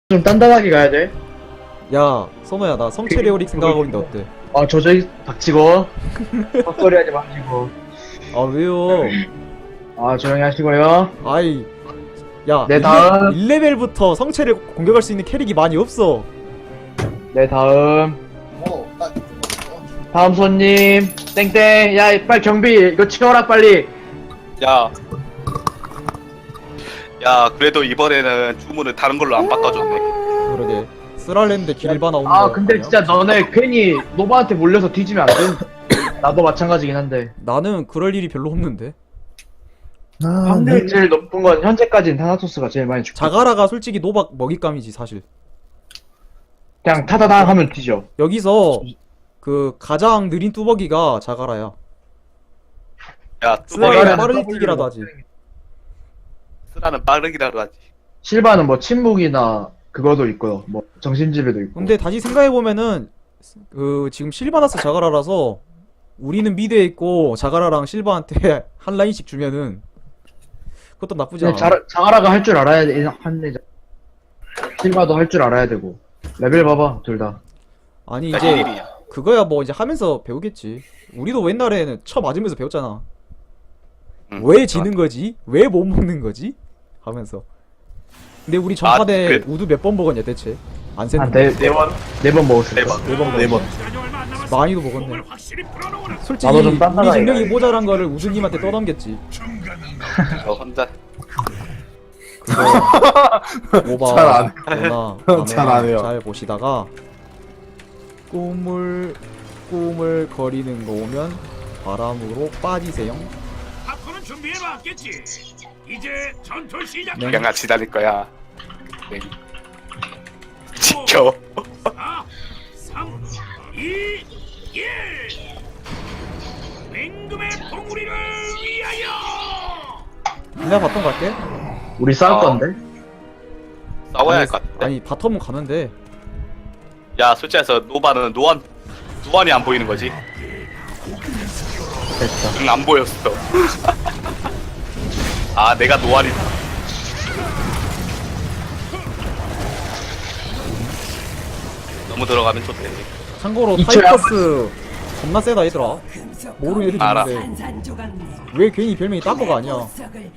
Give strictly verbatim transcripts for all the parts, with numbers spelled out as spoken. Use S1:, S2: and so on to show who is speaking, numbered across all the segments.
S1: 좀 단단하게 가야 돼.
S2: 야, 선호야, 나 성체레오릭 생각하고 있는데 어때?
S1: 아, 저 저기 닥치고. 헛소리 하지 마시고.
S2: 아, 왜요?
S1: 아, 조용히 하시고요.
S2: 아이, 야,
S1: 네, 다음.
S2: 일 레벨부터 성체를 공격할 수 있는 캐릭이 많이 없어.
S1: 네, 다음. 다음 손님. 땡땡. 야, 빨리 경비. 이거 치워라, 빨리.
S3: 야, 야, 그래도 이번에는 주문을 다른 걸로 안 바꿔줬네.
S2: 그러게. 쓰랄랜드 길바 나오는 거
S1: 아, 근데
S2: 아니야?
S1: 진짜 너네 괜히 노바한테 몰려서 뒤지면 안 돼. 나도 마찬가지긴 한데.
S2: 나는 그럴 일이 별로 없는데.
S1: 확률 제일 높은 건 현재까지는 타나토스가 제일 많이 죽고.
S2: 자가라가 솔직히 노박 먹잇감이지, 사실.
S1: 그냥 타다당 하면 뒤져.
S2: 여기서 그 가장 느린 뚜벅이가 자가라야.
S3: 야,
S2: 쓰라는
S3: 뚜벅이는
S2: 빠른
S1: W
S2: 뛰기라도 하지.
S3: 쓰라는 빠르기라도 하지.
S1: 실바는 뭐 침묵이나 그거도 있고요. 뭐 정신지배도 있고.
S2: 근데 다시 생각해보면은 그 지금 실바나스 자가라라서 우리는 미드에 있고 자가라랑 실바한테 한 라인씩 주면은 그것도 나쁘지 않아.
S1: 자, 자가라가 할 줄 알아야 돼. 한대 실바도 할 줄 알아야 되고. 레벨 봐봐, 둘 다.
S2: 아니
S3: 나
S2: 이제
S3: 일이야.
S2: 그거야 뭐 이제 하면서 배우겠지. 우리도 옛날에는 쳐 맞으면서 배웠잖아.
S3: 응,
S2: 왜 지는 거지? 왜 못 먹는 거지? 하면서. 근데 우리 전판에
S3: 아, 그-
S2: 우드 몇 번 먹었냐 대체? 안 셌는데.
S1: 한 네, 네 번, 네 번 먹었을
S3: 네
S1: 거.
S3: 번.
S2: 네 번
S4: 네 번.
S2: 많이도 먹었네. 솔직히
S1: 나도 좀
S2: 우리
S1: 딴딴하게
S2: 능력이
S1: 가야지.
S2: 모자란 거를 우드님한테 떠넘겼지.
S3: 저 혼자.
S2: 오바
S4: 잘 안-
S2: 누나
S4: 잘안 해요.
S2: 잘 보시다가 꿈을 꿈을 거리는 거 오면 바람으로 빠지세요.
S5: 앞으로는 준비해봤겠지. 이제 전투 시작.
S2: 네.
S3: 양같이 달릴 거야. 네. 지켜.
S5: 사, 삼, 이, 일. 맹금의 봉우리를 위하여.
S2: 그냥 바텀 갈게.
S1: 우리 싸울
S3: 어.
S1: 건데?
S3: 싸워야 할
S2: 아니,
S3: 것 같은데.
S2: 아니 바텀은 가는데
S3: 야, 솔직히 해서 노바는 노안, 노안이 안 보이는 거지.
S1: 됐다.
S3: 응, 안 보였어. 아, 내가 노안이다. 너무 들어가면 좋대.
S2: 참고로
S1: 이초야.
S2: 타이커스 겁나 세다 얘들아. 모르는 애들이
S3: 알아.
S2: 있는데 왜 괜히 별명이 딴거가 아니야.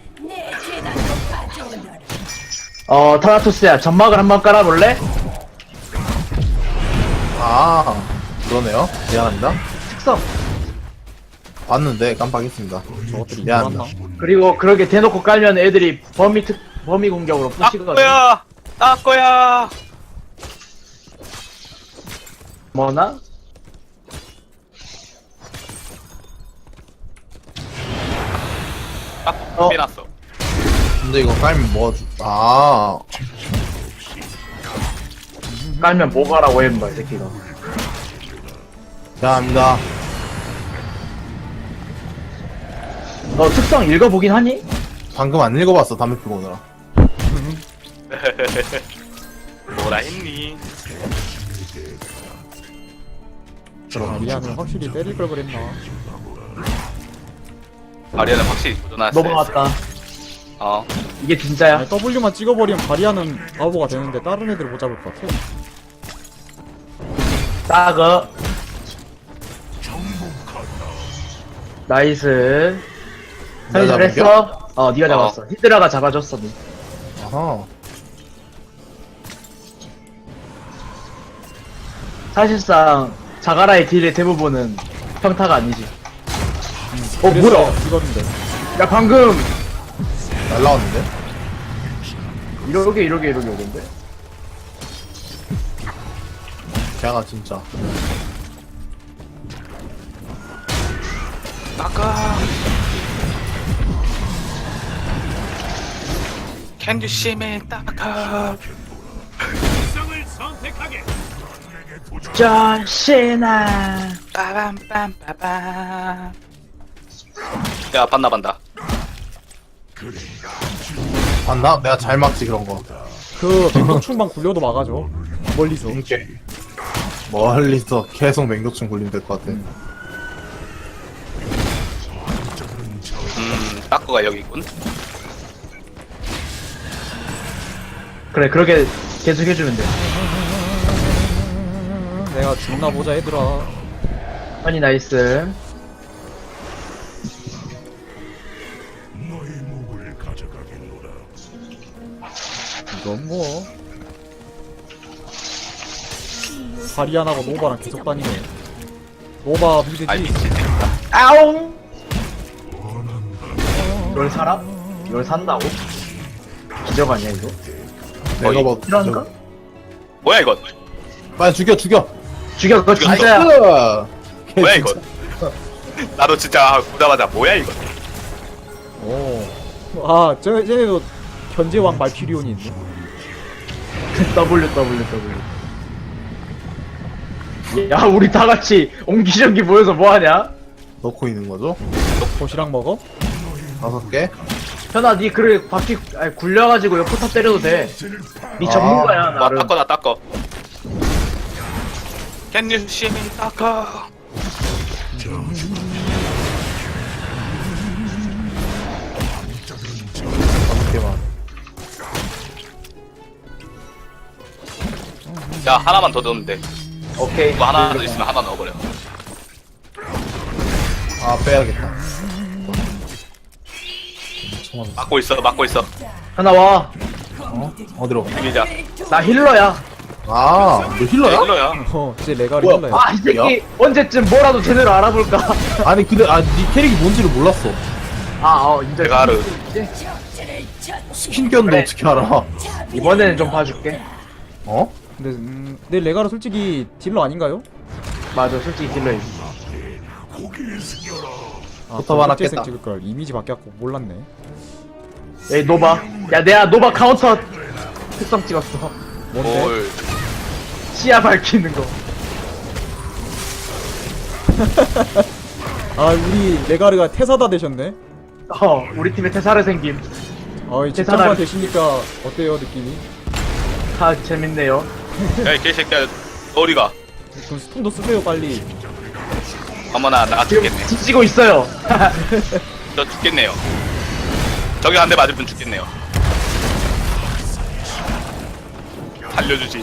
S1: 어, 타나토스야, 점막을 한번 깔아볼래?
S4: 아, 그러네요. 미안합니다.
S1: 특성.
S4: 봤는데 깜빡했습니다.
S2: 저것들이
S4: 미안합니다.
S2: 이상한나?
S1: 그리고 그렇게 대놓고 깔면 애들이 범위 특, 범위 공격으로
S3: 나
S1: 푸시거든.
S3: 거야! 나 거야!
S1: 뭐나?
S3: 딱
S1: 어.
S3: 빼놨어.
S4: 근데 이거 깔면 뭐, 주- 아,
S1: 깔면 뭐 가라고 했는 거야, 이 새끼가.
S4: 미안합니다.
S1: 너 특성 읽어보긴 하니?
S4: 방금 안 읽어봤어, 담배 피고 오느라.
S3: 뭐라 했니?
S2: 아, 미안해 확실히 때릴 걸 그랬나.
S3: 아리아는 확실히 도전했어.
S1: 넘어갔다.
S3: 어.
S1: 이게 진짜야.
S2: 아니, W만 찍어버리면 바리아는 바보가 되는데 다른 애들 못 잡을 것 같아.
S1: 따거. 나이스.
S4: 내가
S1: 잘 했어? 어, 니가
S3: 어.
S1: 잡았어. 히드라가 잡아줬어, 니.
S4: 아하.
S1: 사실상 자가라의 딜의 대부분은 평타가 아니지. 어,
S2: 그래서
S1: 뭐야?
S2: 이건데.
S1: 야, 방금
S4: 날라왔는데?
S1: 이러게 이러게 이러게 오던데?
S4: 걔가 진짜.
S3: 나가. Can you see me? 나가.
S5: 특성을 선택하게.
S1: 전신아.
S3: 빠밤빰빠밤. 야, 봤나 반다.
S4: 봤나? 내가 잘 막지, 그런 거.
S2: 그 맹독충만 굴려도 막아줘. 멀리서.
S4: 이렇게. 멀리서 계속 맹독충 굴리면 될 것 같아.
S3: 음, 따꾸가 여기 있군.
S1: 그래, 그렇게 계속 해주면 돼.
S2: 내가 죽나 보자 얘들아.
S1: 아니 나이스.
S2: 이건 뭐 바리안하고 노바랑 계속 다니네. 노바 미드지.
S3: 아이 미친.
S1: 아옹. 이걸 살아? 이걸 산다고? 기적 아니야 이거?
S4: 내가 뭐
S1: 이런가?
S3: 뭐야 이건?
S4: 빨리 죽여 죽여.
S1: 죽여 그거
S3: 죽여,
S1: 진짜야.
S4: 으아. 걔
S3: 뭐야
S4: 진짜-
S3: 이건? 나도 진짜 보자마자 뭐야 이건?
S2: 오. 아, 저 쟤네도 견제왕 말피리온이 있네.
S1: W W W. 야 우리 다 같이 옹기종기 모여서 뭐 하냐?
S4: 넣고 있는 거죠?
S2: 도시락 먹어?
S4: 다섯 개.
S1: 현아 니 그래 바퀴 아니, 굴려가지고 옆 포탑 때려도 돼. 니
S4: 아.
S1: 전문가야
S3: 와
S1: 나름.
S3: 닦어 나 닦어. Can you see me 닦어?
S4: 다섯 개만.
S3: 야 하나만 더 넣으면 돼.
S1: 오케이.
S3: 이거 하나 더 있으면 하나 넣어버려.
S4: 아 빼야겠다. 천원.
S3: 막고 있어 막고 있어.
S1: 현아 와.
S4: 어? 어디로?
S3: 비비자.
S1: 나 힐러야.
S4: 아, 너 힐러야?
S3: 힐러야.
S2: 어, 이제 레가리
S4: 뭐야?
S2: 힐러야.
S1: 아 이 새끼 언제쯤 뭐라도 제대로 알아볼까?
S4: 아니 근데 아네 캐릭이 뭔지를 몰랐어.
S1: 아어 인정.
S3: 내가 알아.
S4: 스킨 꼈는데
S1: 그래.
S4: 어떻게 알아?
S1: 이번에는 좀 봐줄게.
S4: 어?
S2: 근데 음, 내 레가르 솔직히 딜러 아닌가요?
S1: 맞아 솔직히 딜러이.
S2: 아,
S4: 포탑 하나
S2: 일제생
S4: 깼다.
S2: 찍을 걸 이미지 바뀌었고 몰랐네.
S1: 에이 노바. 야 내가 노바 카운터 특성 찍었어.
S2: 뭔데?
S3: 뭘?
S1: 시야 밝히는 거.
S2: 아, 우리 레가르가 태사다 되셨네.
S1: 어 우리 팀에 태사를 생김.
S2: 아, 이
S1: 태사다-
S2: 집장관 되시니까 어때요 느낌이?
S1: 아 재밌네요.
S3: 야이 개새끼야. 어디가?
S2: 그럼 스톤도 쓰세요 빨리.
S3: 어머나 나
S1: 지금
S3: 죽겠네.
S1: 뒤지고 있어요.
S3: 저 죽겠네요. 저기 한 대 맞으면 죽겠네요. 살려주지.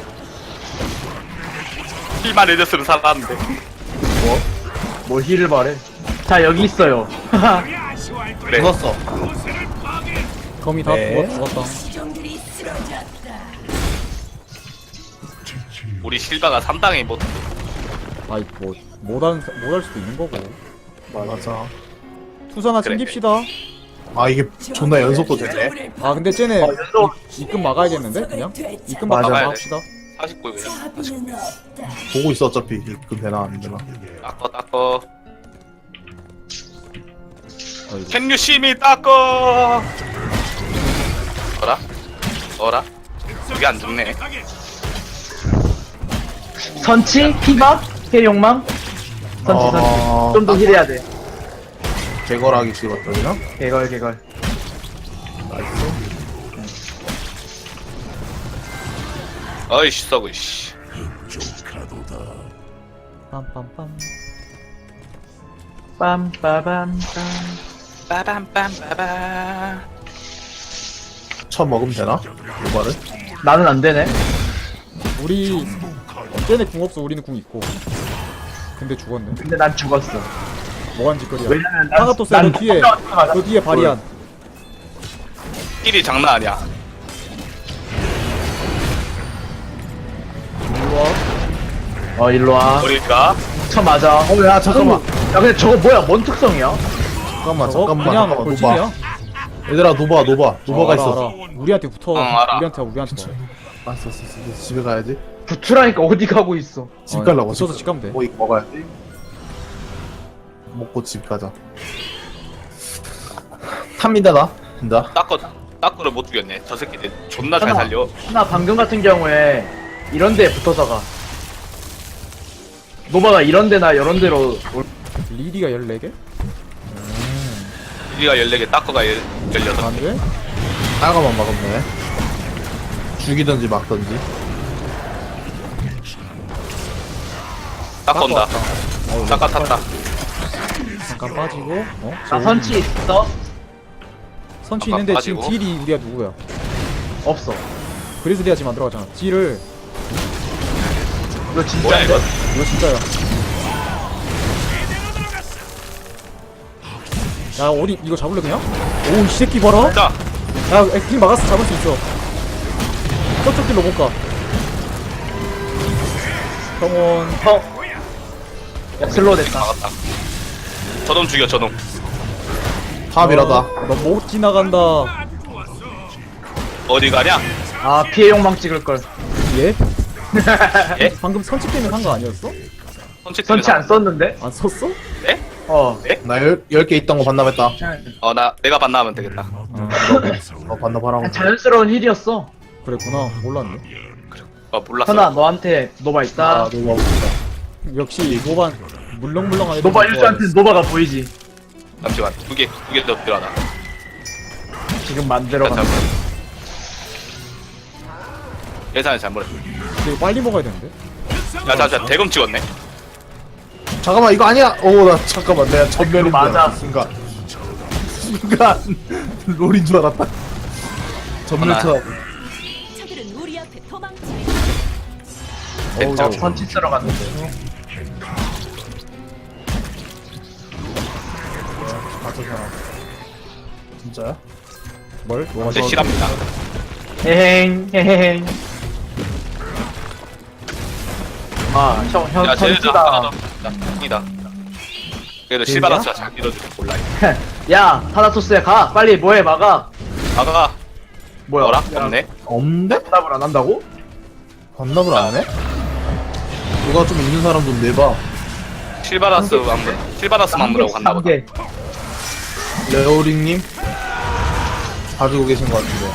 S3: 힐만 해줬으면 살았는데.
S1: 뭐? 뭐 힐을 말해? 자 여기 있어요.
S5: 우리 아쉬워할 거야.
S3: 그래.
S4: 죽었어.
S5: 고세를 파괴.
S2: 거미 다
S4: 네.
S2: 죽었, 죽었다.
S3: 우리 실바가 삼당에 못.
S2: 아이 뭐 못할 못할 수도 있는 거고.
S4: 맞아.
S2: 투수 하나
S3: 그래.
S2: 챙깁시다.
S4: 아 이게 존나 연속도 되네.
S2: 아 근데 쟤네
S1: 어, 연속.
S2: 이- 입금 막아야겠는데 그냥? 입금
S1: 맞아.
S2: 막아 합시다.
S3: 사십구 그냥.
S4: 보고 있어 어차피 입금 되나 안 되나.
S3: 닦어 닦어.
S2: 어이구.
S3: Can you see me 닦어? 어라? 어라? 여기 안 죽네.
S5: 선택하게.
S1: 선치? 피박? 해욕망? 선치
S4: 어,
S1: 선치. 좀 더 힐해야 돼.
S4: 개걸하기 찍었더니나?
S1: 개걸 개걸.
S3: 어이씨 썩어 씨.
S2: 빰빰빰.
S1: 빰빠밤빰.
S3: 빠밤빰빠밤.
S4: 첫 먹으면 되나? 요발을?
S1: 나는 안 되네.
S2: 우리 쟤네 궁 없어. 우리는 궁 있고. 근데 죽었네.
S1: 근데 난 죽었어.
S2: 뭐한 짓거리야.
S1: 왜냐면 난-
S2: 하나 또 쎄.
S1: 난
S2: 너 뒤에.
S1: 던져가자마자
S2: 너 뒤에 바리안.
S3: 힐이 장난 아니야.
S2: 일로 와.
S1: 어 일로 와.
S3: 우리가
S1: 쳐 맞아.
S4: 어, 야, 잠깐만.
S1: 야 근데 저거 뭐야? 뭔 특성이야?
S4: 잠깐만,
S2: 저거
S4: 잠깐만.
S2: 그냥
S4: 잠깐만,
S2: 돌진이야.
S4: 노바. 얘들아, 노바, 노바. 노바가
S2: 알아,
S4: 있어.
S2: 알아. 우리한테 붙어.
S3: 응, 알아.
S2: 우리한테 와, 우리한테 와.
S4: 알았어, 알았어, 알았어. 집에 가야지.
S1: 부투라니까 어디 가고 있어?
S4: 집 가려고.
S2: 붙어서 집 가면 돼.
S4: 뭐, 이거 먹어야지. 먹고 집 가자. 탑니다, 나. 된다.
S3: 닦어 닦어를 못 죽였네. 저 새끼들 존나 잘 살려.
S1: 나 방금 같은 경우에 이런 데에 붙어서 가. 노바가 이런 데나 이런 데로 올-
S2: 리디가 열네 개?
S3: 우리가 열네 개, 닦어가 열 열여섯.
S2: 안 돼?
S4: 따가만 막으면 죽이든지 막든지.
S3: 닦어 온다. 닦아 탔다.
S2: 잠깐 빠지고. 어?
S1: 나 선치 있어?
S2: 선치
S3: 아까
S2: 있는데
S3: 빠지고.
S2: 지금 딜이 우리가 누구야?
S1: 없어.
S2: 그리즐리아지 만들어갔잖아. 딜을.
S1: 이거
S3: 뭐야
S1: 진짜인데?
S3: 이거?
S2: 이거 진짜야. 야 어디 이거 잡을래 그냥? 오 이 새끼 봐라.
S3: 자,
S2: 야 딜 막았어. 잡을 수 있어. 저쪽 딜로 못 가. 성원.
S1: 어. 야, 슬로우 됐다.
S3: 막았다. 저놈 죽여 저놈.
S4: 탑이라다.
S2: 너 못 지나간다.
S3: 어디 가냐?
S1: 아, 피해 욕망 찍을걸.
S2: 예?
S3: 예?
S2: 방금 선치 때문에 한 거 아니었어?
S3: 선치
S1: 선치 안 썼는데?
S2: 안 썼어?
S3: 네?
S1: 어.
S4: 나 열, 열 개 있던 거 반납했다.
S3: 어, 나 내가 반나하면 되겠다.
S4: 어, 반납하라고.
S1: 자연스러운 힐이었어.
S2: 그랬구나. 몰랐네.
S3: 어, 몰랐어.
S1: 현아, 너한테 노바 있다.
S4: 아, 너무 아프다.
S2: 역시 노반 물렁물렁한 애들
S1: 노바
S2: 좋아해.
S1: 일수한테 노바가 보이지.
S3: 잠시만. 두 개, 두 개 더 필요하다.
S1: 지금 만들어
S3: 자,
S1: 가.
S3: 잠깐. 예산을 잘못했어.
S2: 이거 빨리 먹어야 되는데.
S3: 야, 자, 자, 대검 찍었네.
S4: 잠깐만, 이거 아니야! 오, 나 잠깐만, 내가 전멸인 줄
S1: 맞아.
S4: 알았어, 순간. 순간, 롤인 줄 알았다. 전멸 쳐.
S6: 저들은 우리 앞에 도망쳐.
S4: 어우,
S1: 어, 선치 들어갔는데.
S4: 진짜야?
S2: 뭘? 뭐가
S3: 제 실합니다.
S1: 헤행, 헤행. 아, 형, 형,
S3: 야, 쟤네들
S1: 선치다.
S3: 하나 더. 이다. 그래도 실바라스가 잘 밀어주고 몰라.
S1: 야, 타나토스야, 가. 빨리 뭐해, 막아.
S3: 아가
S1: 뭐야?
S3: 뭐라?
S1: 야,
S3: 없네.
S4: 없는데?
S1: 대답을 안 한다고?
S4: 반납을 안 해? 누가 좀 있는 사람 좀 내봐.
S3: 실바라스 만물, 실바라스 만물하고 갔나 보다.
S1: 개.
S4: 레오링님? 가지고 계신 것 같은데.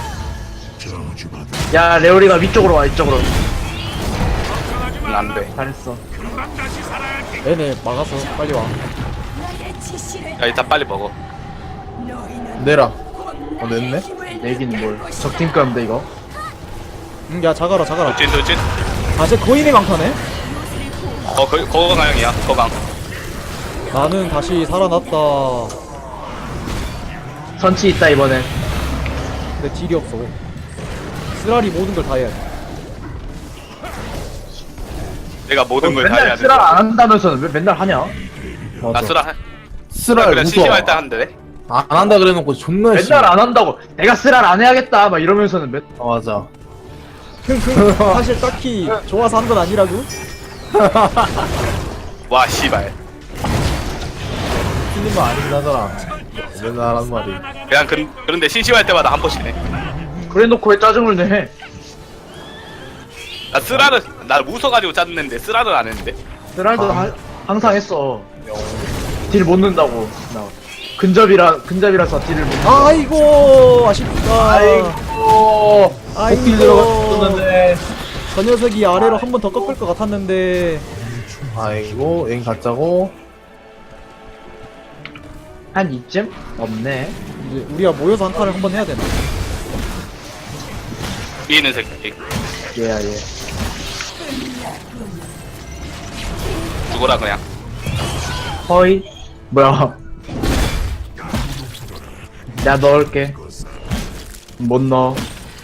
S1: 야, 레오리가 위쪽으로 와, 이쪽으로.
S3: 응, 안 돼.
S1: 잘했어.
S5: 금방 다시 살아야 돼.
S2: 얘네 막아서 빨리 와.
S6: 나의 지시를
S3: 야, 일단 빨리 먹어.
S4: 내라. 어, 냈네?
S1: 내긴 뭘. 적팀 건데, 이거.
S2: 응, 야 자가라 자가라.
S3: 돌진, 돌진.
S2: 아, 쟤 거인의 강타네.
S3: 어, 거, 거강형이야, 거강.
S2: 나는 다시 살아났다.
S1: 선치 있다, 이번엔.
S2: 근데 딜이 없어. 쓰라리 모든 걸 다 해야 돼.
S3: 내가 모든 걸 다 해야
S1: 맨날
S3: 돼.
S1: 쓰라 안 한다면서는 왜 맨날 하냐?
S3: 나 쓰라. 해.
S4: 쓰랄
S3: 그냥
S4: 무서워.
S3: 심심할 때 하는데.
S4: 안 한다 그래놓고 존나 심해.
S1: 맨날 안 한다고. 내가 쓰라 안 해야겠다. 막 이러면서는 맨.
S4: 아, 맞아.
S2: 흥흥. 사실 딱히 좋아서 한 건 아니라고.
S3: 와, 씨발.
S4: 틀린 거 아니긴 하잖아. 맨날 하는 말이.
S3: 그냥 그, 그런데 심심할 때마다 한 번씩 해.
S1: 그래놓고 왜 짜증을 내?
S3: 나 쓰라를, 나 웃어가지고 짜증냈는데 쓰라를 안 했는데.
S1: 쓰라도
S4: 아.
S1: 하- 항상 했어. 딜 못 넣는다고. 나. 근접이라 근접이라서 딜을 못. 넣어.
S2: 아이고 아쉽다.
S1: 아이고.
S2: 아이고.
S1: 복딜 들어갔었는데.
S2: 저 녀석이 아래로 한 번 더 꺾을 것 같았는데.
S4: 아이고, 엥 가짜고.
S1: 한 이쯤? 없네.
S2: 이제 우리가 모여서 한 판을 한 번 해야 되나?
S3: 위에 있는 새끼.
S1: 얘야 얘.
S3: 죽어라, 그냥.
S1: 허이. 뭐야? 내가 넣을게. 못 넣어.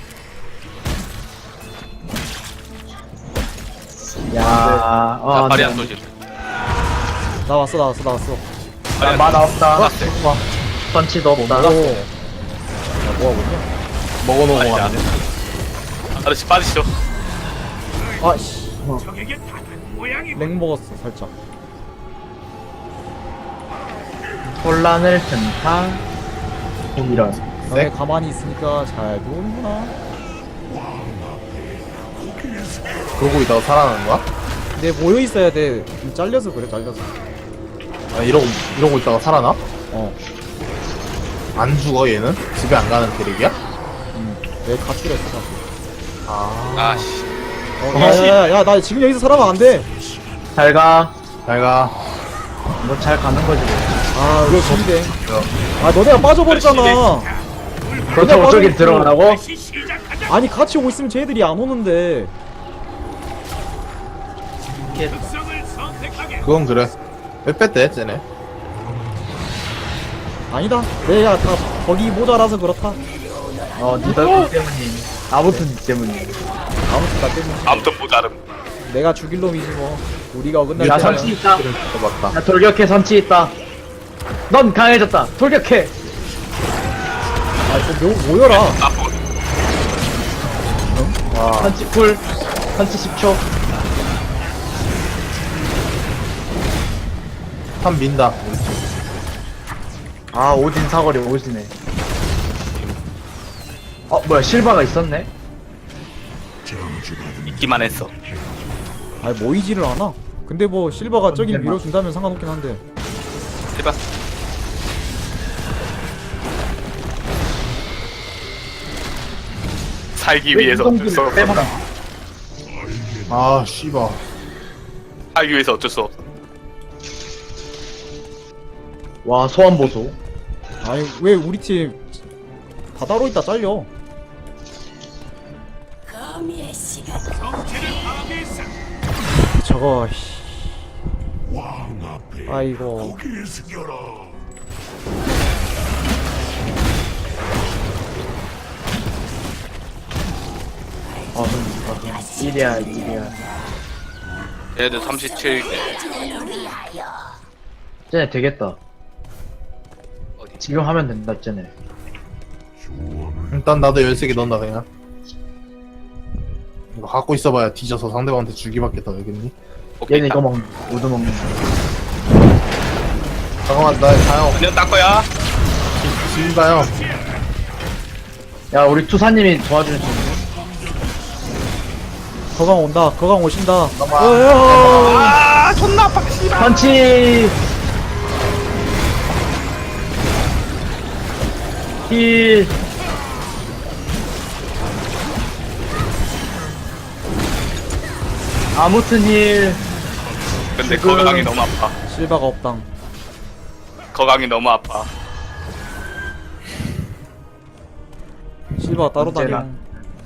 S1: 야, 어,
S3: 나
S1: 안
S3: 발이
S1: 돼.
S3: 안 도지.
S2: 나왔어 나왔어 나왔어.
S3: 발이 안
S1: 마나 없다.
S3: 나왔어.
S1: 선치도 없다.
S2: 오. 야 뭐하고 있냐?
S4: 먹어놓은 거
S3: 아니야.
S4: 같은데.
S3: 아저씨 빠지시죠.
S2: 아씨.
S5: 적에게 다른 모양이
S2: 렉 먹었어 살짝.
S1: 혼란을 튼타. 이런.
S2: 너네 가만히 있으니까 잘 노는구나.
S4: 그러고 있다가 살아나는 거야?
S2: 근데 모여 있어야 돼. 좀 잘려서 그래 잘려서.
S4: 아, 이러고, 이러고 있다가 살아나?
S2: 어.
S4: 안 죽어, 얘는? 집에 안 가는 캐릭이야?
S2: 음. 내 가출했어 가출.
S4: 아.
S3: 아씨.
S2: 어, 야야야 나 지금 여기서 살아면 안 돼.
S1: 잘 가.
S4: 잘 가.
S1: 뭐 잘 가는 거지 뭐.
S2: 아 이거 진대. 아 너네가 빠져버렸잖아.
S1: 그렇다고
S2: 빠져
S1: 저기
S2: 있고.
S1: 들어가라고?
S5: 다시 시작하자.
S2: 아니 같이 오고 있으면 쟤들이 안 오는데.
S5: 특성을 선택하게.
S4: 그건 그래. 왜 뺐대, 쟤네?
S2: 아니다. 내가 다 거기 모자라서 그렇다.
S1: 어, 니들 때문이. 아무튼 니 때문이야.
S2: 아무튼 나 때문에
S3: 아무튼 모자름.
S2: 내가 죽일 놈이지 뭐. 우리가 어긋날
S1: 야,
S2: 때야.
S1: 선치 있다.
S4: 맞다.
S1: 야, 돌격해, 선치 있다. 넌 강해졌다. 돌격해.
S2: 아, 이거 뭐, 모여라.
S3: 나쁜.
S4: 와,
S1: 선치 쿨. 선치 십 초.
S4: 한 민다.
S1: 아, 오진 사거리 오지네. 어, 뭐야, 실바가 있었네?
S3: 있기만 했어.
S2: 아니 모이지를 않아. 근데 뭐 실바가 저길 밀어준다면 상관없긴 한데.
S3: 해봐. 살기 위해서 어쩔 수 없어.
S1: 빼먹어.
S4: 아, 씨발.
S3: 살기 위해서 어쩔 수 없어.
S1: 와, 소환 보소.
S2: 아니 왜 우리 팀 바다로 있다 잘려.
S6: 거미의 시간.
S5: 정체를 파괴했어.
S2: 저거 씨. 아이고
S1: 아, 그럼, 일이야, 일이야.
S3: 얘네들 삼십칠 개.
S1: 쟤네 되겠다.
S3: 어디?
S1: 지금 하면 된다, 쟤네.
S4: 일단 나도 열세 개 넣는다, 그냥. 이거 갖고 있어봐야 뒤져서 상대방한테 주기밖에 더 알겠니?
S3: 오케이.
S1: 얘는 이거 먹는, 우드 먹는.
S4: 잠깐만, 나 가요.
S3: 그냥 딱 거야.
S4: 지인가요?
S1: 야, 우리 투사님이 도와주는 중.
S2: 거강 온다. 거강 오신다.
S4: 잠깐만.
S2: 어여.
S3: 아, 존나 아파. 씨발.
S1: 펀치! 힐! 아무튼 힐!
S3: 근데
S1: 지금-
S3: 거강이 너무 아파.
S2: 실바가 없당.
S3: 거강이 너무 아파.
S2: 실바가 따로
S1: 언제나.
S2: 다녀.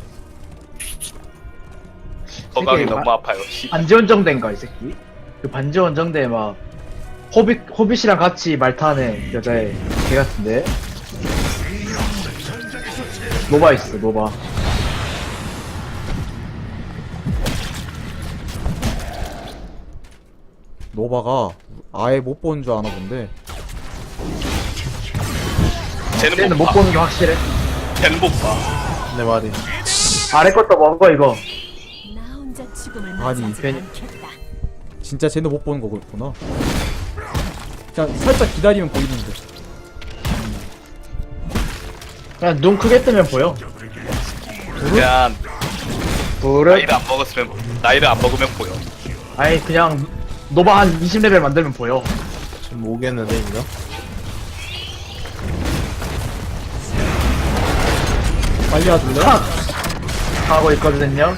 S3: 거강이
S1: 이게
S3: 너무
S1: 마-
S3: 아파요. 씨.
S1: 반지원정대인가, 이 새끼? 그 반지원정대 막, 호빗, 호빗이랑 같이 말 타는 여자애, 걔 같은데? 노바 있어, 노바.
S2: 노바가 아예 못 보는 줄 아나 본데.
S3: 쟤는
S1: 쟤는
S3: 못
S1: 못
S3: 봐.
S1: 보는 게 확실해.
S3: 쟤는 못 봐.
S4: 내 말이.
S1: 아래 것도 먹어, 이거.
S6: 나 혼자 죽음을
S2: 아니,
S6: 맞이하지
S1: 괜히-
S6: 않겠다.
S2: 진짜 쟤는 못 보는 거구나. 그냥 살짝 기다리면 보이는데.
S1: 그냥 눈 크게 뜨면 보여.
S3: 그냥
S1: 부르
S3: 나이를 안 먹었으면 나이를 안 먹으면 보여.
S1: 아니, 그냥, 노바 한 이십 레벨 만들면 보여.
S4: 지금 오겠는데, 이거?
S2: 빨리 와줄래?
S1: 탁! 하고 있거든요.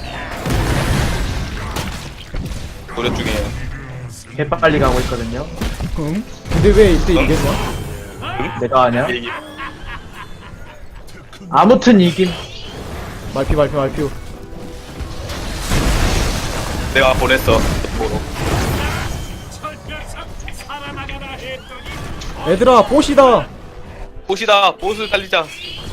S3: 노력 중이에요.
S1: 개빨리 가고 있거든요.
S2: 응? 근데 왜 이때 이겼냐?
S1: 내가 아냐?
S3: 얘기.
S1: 아무튼 이김.
S2: 말피 말피 말피.
S3: 내가 보냈어. 보러.
S5: 저 녀석 살아나가라 했더니
S2: 얘들아 보시다.
S3: 보시다. 보스 달리자.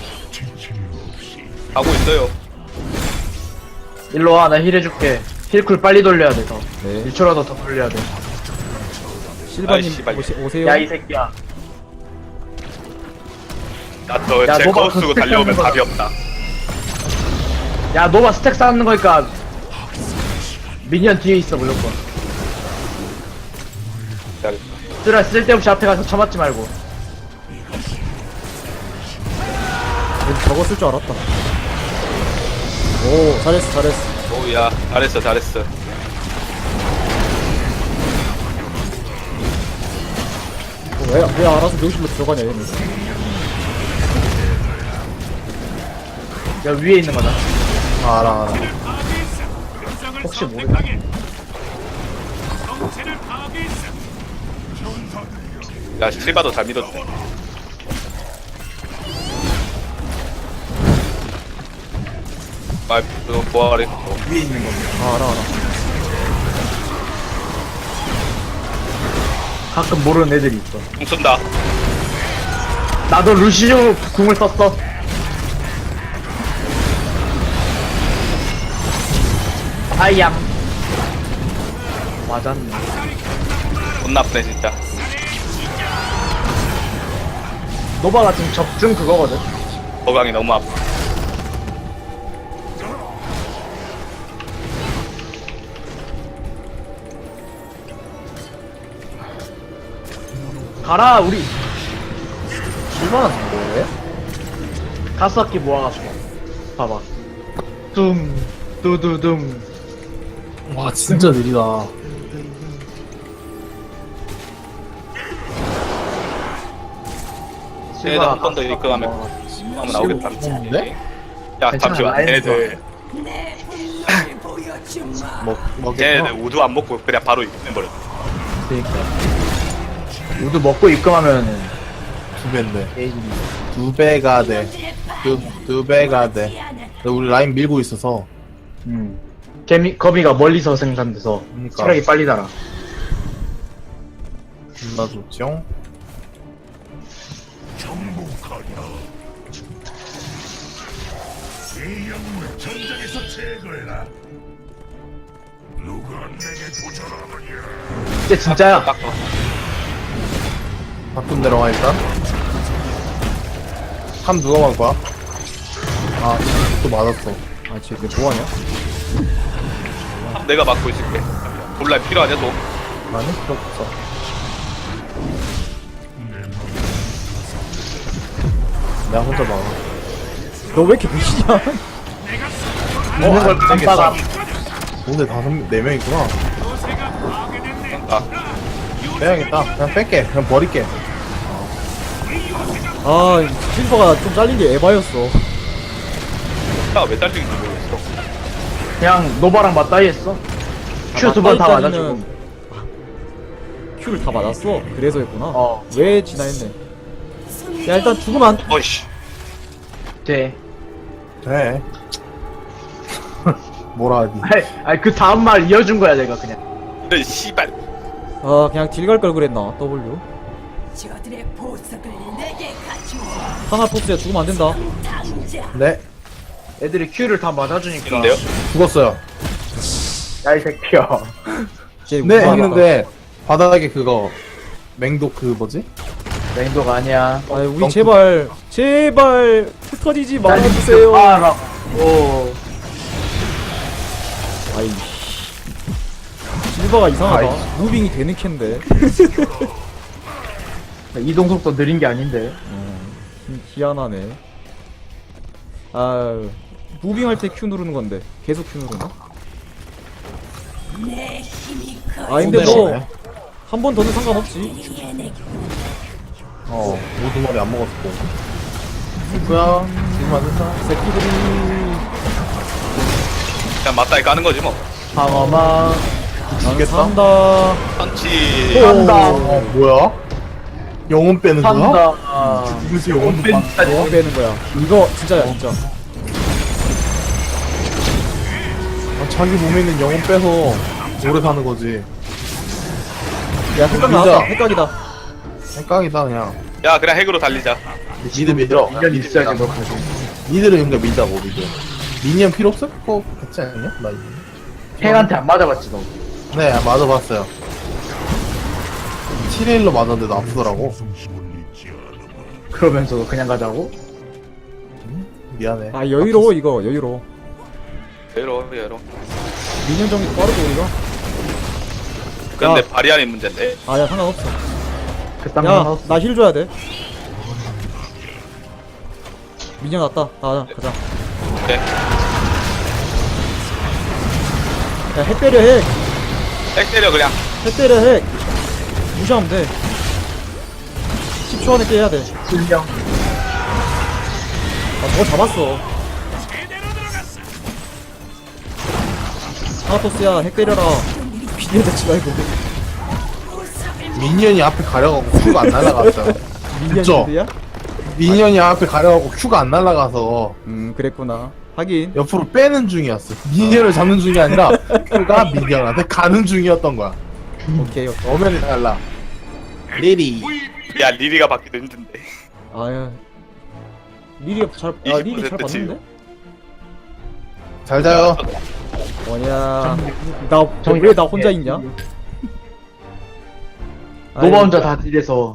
S3: 가고 있어요.
S1: 일로 와, 나 힐 해줄게. 힐쿨 빨리 돌려야 돼, 더.
S2: 네.
S1: 일 초라도 더 돌려야 돼.
S2: 실바님
S3: 아이, 씨발.
S2: 오시, 오세요.
S1: 야, 이 새끼야. 야,
S3: 나너제
S1: 너가
S3: 거스 쓰고
S1: 그
S3: 달려오면
S1: 스택
S3: 답이 없다.
S1: 야, 노바 스택 쌓는 거니까. 미니언 뒤에 있어, 무조건.
S3: 기다려.
S1: 쓰라, 쓸데없이 앞에 가서 쳐맞지 말고.
S2: 왠지 저거 쓸 줄 알았다. 오 잘했어 잘했어.
S3: 오야 잘했어 잘했어.
S2: 어, 왜, 왜 알아서 명실로 들어가냐 얘는.
S1: 야, 위에 있는 거다.
S4: 아, 알아, 알아.
S5: 파괴했어. 특성을
S1: 혹시 모르-
S5: 선택하게. 정체를 파괴했어.
S3: 야 실바도 잘 믿었네. 말 보아래.
S1: 위에 있는 거.
S2: 아 알아 알아.
S1: 가끔 모르는 애들이 있어.
S3: 공 쏜다.
S1: 나도 루시오 궁을 썼어. 아양. 맞았네.
S3: 돈 나쁘네 진짜.
S1: 노바가 지금 적중 그거거든.
S3: 거강이 너무 아파.
S1: 가라 우리
S4: 칠만원 뭐해?
S1: 다섯 개 모아가지고. 봐봐. 둥 두두둥.
S4: 와 진짜 느리다.
S3: 쟤네들 한 번 더 입금하면 하면 나오겠다.
S4: 네?
S3: 야
S1: 괜찮아,
S3: 잠시만.
S1: 라인
S3: 쟤네들
S6: 내 분량을 보여주마.
S4: 먹 먹겠어.
S3: 쟤네들 우두 안 먹고 그냥 바로 입금해버려.
S1: 그러니까. 우드 먹고 입금하면은
S4: 두 배인데.
S1: 게이지.
S4: 두 배가 돼. 두, 두 배가 돼. 근데 우리 라인 밀고 있어서.
S1: 음. 개미 거미가 멀리서 생산돼서
S4: 그러니까.
S1: 체력이 빨리 달아.
S4: 존나 좋죠?
S5: 이 영웅을 전장에서 제거해라. 누가 내게 도전하느냐?
S1: 이제 진짜야.
S4: 바꾼 내려와 일단. 한 누가 만 거야? 아, 또 맞았어.
S2: 아 쟤 뭐하냐?
S3: 내가 맡고 있을게. 몰라 필요하냐 너?
S4: 아니, 필요 없어. 내가 혼자 막아.
S2: 너 왜 이렇게 미치냐?
S1: 있는 걸 깜빡아.
S4: 오늘 다섯, 명- 네 명 있구나.
S5: 요새가 파괴됐네.
S3: 아
S4: 빼야겠다. 그냥 뺄게. 그냥 버릴게.
S2: 아 실버가 좀 잘린 게 에바였어.
S3: 나 왜 딸리는지 모르겠어.
S1: 그냥 노바랑 맞다이 했어. 큐 두 번 다 맞아주고.
S2: 큐를 다 맞았어. 그래서 했구나.
S1: 어.
S2: 왜 지나했네. 야 일단 죽으면 안.
S3: 어이씨.
S1: 돼.
S4: 돼. 뭐라 하지?
S1: 아이, 아이 그 다음 말 이어준 거야 내가 그냥.
S3: 이런 씨발.
S2: 아 그냥 딜 갈 걸 그랬나. W.
S6: 저들의 보석을 내게 가져와.
S2: 하나포스야 죽으면 안 된다.
S6: 당장.
S4: 네.
S1: 애들이 큐를 다 맞아주니까.
S3: 있는데요?
S4: 죽었어요.
S1: 야 이 새끼야.
S2: 쟤
S4: 네,
S2: 우승하다.
S4: 했는데, 바닥에 그거, 맹독 그 뭐지?
S1: 맹도가 아니야.
S2: 아 우리
S4: 덩크.
S2: 제발 제발 흩어지지 말아주세요.
S1: 알아. 오.
S2: 아이 실버가 이상하다.
S1: 아이.
S2: 무빙이 되는 캔데.
S1: 이동 속도 느린 게 아닌데.
S2: 음, 희한하네. 아 무빙할 때 Q 누르는 건데 계속 Q 누르나?
S6: 내 힘이
S2: 아
S6: 거의
S2: 근데
S4: 손대네.
S2: 뭐 한 번 더는 상관없지.
S6: 해내.
S4: 어, 우두머리 안 먹었고. 누구야? 지금 안 됐다.
S2: 새끼들이
S3: 그냥 맞다이 까는 거지 뭐.
S1: 방어막.
S2: 나는
S4: 죽겠다.
S2: 산다.
S3: 펀치.
S1: 산다.
S4: 어, 뭐야? 영혼 빼는 거야?
S1: 산다. 아.
S4: 무슨 영혼
S1: 뺀-
S4: 뺀다.
S2: 뭐 빼는 거야. 이거 진짜야 진짜.
S4: 아, 자기 몸에 있는 영혼 빼서 오래 사는 거지.
S2: 야 헷각
S4: 진짜.
S2: 나왔다. 헷각이다.
S4: 생각이다, 그냥.
S3: 야 그냥 핵으로 달리자.
S4: 니들 믿어.
S1: 인연 있어야지 너 가지고.
S4: 니들은 그러니까 믿자고, 미드. 미니언 필요 없을 거 같지 않냐? 나 이거.
S1: 행한테 안 맞아봤지 너.
S4: 네, 맞아봤어요. 칠 일로 맞았는데도 아프더라고.
S1: 그러면서도 그냥 가자고?
S4: 미안해.
S2: 아 여유로워 이거 여유로워.
S3: 여러 여러.
S2: 미년 정도 빠르고 우리가.
S3: 근데
S2: 야.
S3: 바리안이 문제인데.
S2: 아야 상관없어.
S1: 그딴 거
S2: 야
S1: 하나
S2: 나 힐 줘야 돼. 미년 왔다. 가자 가자.
S3: 오케이.
S2: 야핵 때려 핵.
S3: 핵 때려 그냥.
S2: 핵 때려 핵. 무시하면 돼. 십 초 안에 깨야 돼.
S1: 실명.
S2: 아 저거 잡았어. 하나토스야 핵 때려라. 비디오 대치 말고.
S4: 미니언이 앞에 가려가고 큐가 안 날아갔어요.
S2: 미니언인데야?
S4: 미니언이 앞에 가려가고 큐가 안 날아가서
S2: 음 그랬구나. 하긴.
S4: 옆으로 빼는 중이었어. 미니언을 잡는 중이 아니라 큐가 미니언한테 가는 중이었던 거야.
S2: 오케이 오케이.
S4: 엄연히 달라. 리리.
S3: 야 리리가 받기도 힘든데.
S2: 아야. 리리 잘, 아 리리 잘
S3: 이십 퍼센트
S2: 봤는데?
S4: 잘 자요.
S2: 뭐냐. 나,
S1: 정리-
S2: 왜 나 혼자 있냐?
S1: 노바
S2: 아이,
S1: 혼자 다 딜해서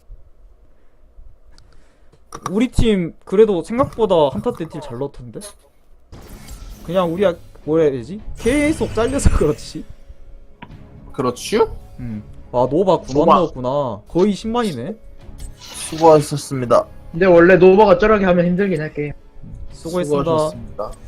S2: 우리 팀 그래도 생각보다 한타 때 딜 잘 넣던데? 그냥 우리가 뭐라 해야 되지? 계속 잘려서 그렇지.
S4: 그렇죠?
S2: 음. 아 노바 구만
S4: 노바.
S2: 넣었구나. 거의 십만이네.
S4: 수고하셨습니다.
S1: 근데 원래 노바가 쩌라게 하면 힘들긴 할게.
S2: 수고했습니다.
S4: 수고하셨습니다.